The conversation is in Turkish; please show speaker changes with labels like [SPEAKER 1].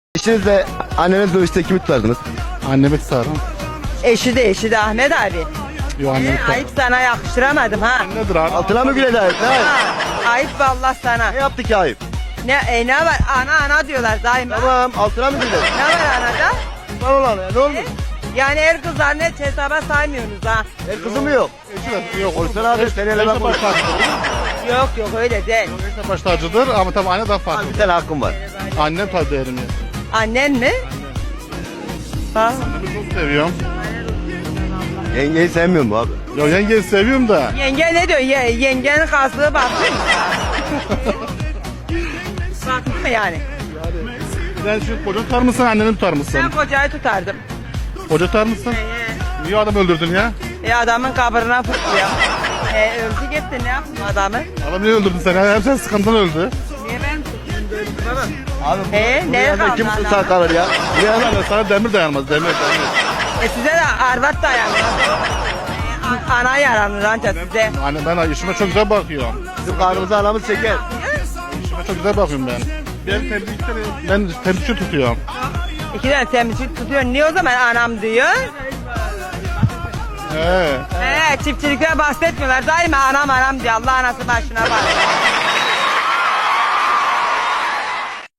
[SPEAKER 1] Eşinizle anneniz dövüşte kimi tutardınız?
[SPEAKER 2] Annemi tutarım.
[SPEAKER 3] Eşi de Ahmet abi.
[SPEAKER 2] Yo annemi tutarım.
[SPEAKER 3] Ayıp sana yakıştıramadım ha.
[SPEAKER 2] Nedir abi?
[SPEAKER 1] Altına mı güle dair? Ne ayıp?
[SPEAKER 3] Ha, ayıp vallahi sana.
[SPEAKER 1] Ne yaptı ki ayıp?
[SPEAKER 3] Ne var? Ana diyorlar daima.
[SPEAKER 1] Tamam altına mı güle?
[SPEAKER 3] Ne var anada?
[SPEAKER 1] Var olan ya ne olmuş?
[SPEAKER 3] Yani her kızlarını hiç hesaba saymıyorsunuz ha.
[SPEAKER 1] El kızı mı yok?
[SPEAKER 2] Eşi de yok.
[SPEAKER 1] Olsun abi seni ele
[SPEAKER 2] Eşi
[SPEAKER 1] bak.
[SPEAKER 2] baş tacıdır.
[SPEAKER 3] Yok öyle değil.
[SPEAKER 2] Eşi baş tacıdır ama tabii anne daha farklı.
[SPEAKER 1] Bir tane hakkım var.
[SPEAKER 2] Annem tabii değerim ya.
[SPEAKER 3] Annen mi? Ha.
[SPEAKER 2] Annemi çok seviyorum.
[SPEAKER 1] Yengeyi sevmiyor mu abi?
[SPEAKER 2] Yo yengeyi seviyorum da.
[SPEAKER 3] Yenge ne diyor? Yengenin kaslığı baktı mı? Baktı mı yani?
[SPEAKER 2] Sen şu koca tutar mısın anneni tutar
[SPEAKER 3] Ben
[SPEAKER 2] mısın?
[SPEAKER 3] kocayı tutardım.
[SPEAKER 2] Koca tutar mısın? Niye adam öldürdün ya?
[SPEAKER 3] Adamın kabrına fırlıyor. Öldü gitti ne yaptın adamı?
[SPEAKER 2] Adam niye öldürdün sen? Hem sen sıkıntıdan öldü.
[SPEAKER 3] Niye ben tuttum baba?
[SPEAKER 1] Abi
[SPEAKER 3] Neye
[SPEAKER 1] buraya da
[SPEAKER 3] kaldı
[SPEAKER 1] kim
[SPEAKER 3] adam?
[SPEAKER 1] sağ kalır ya? Buraya da
[SPEAKER 2] Yani sana demir dayanmaz demir.
[SPEAKER 3] Size de arvat dayanmaz. Ana yaranır ancak size.
[SPEAKER 2] Anne ben işime çok güzel bakıyorum.
[SPEAKER 1] bizim karnımıza anamız çeker.
[SPEAKER 2] İşime çok güzel bakıyorum ben. Ben temizlikçi tutuyorum.
[SPEAKER 3] İki tane temizlik tutuyor. Niye o zaman anam diyor?
[SPEAKER 2] He.
[SPEAKER 3] Çiftçilikten bahsetmiyorlar. Daima anam diyor. Allah anası başına bak.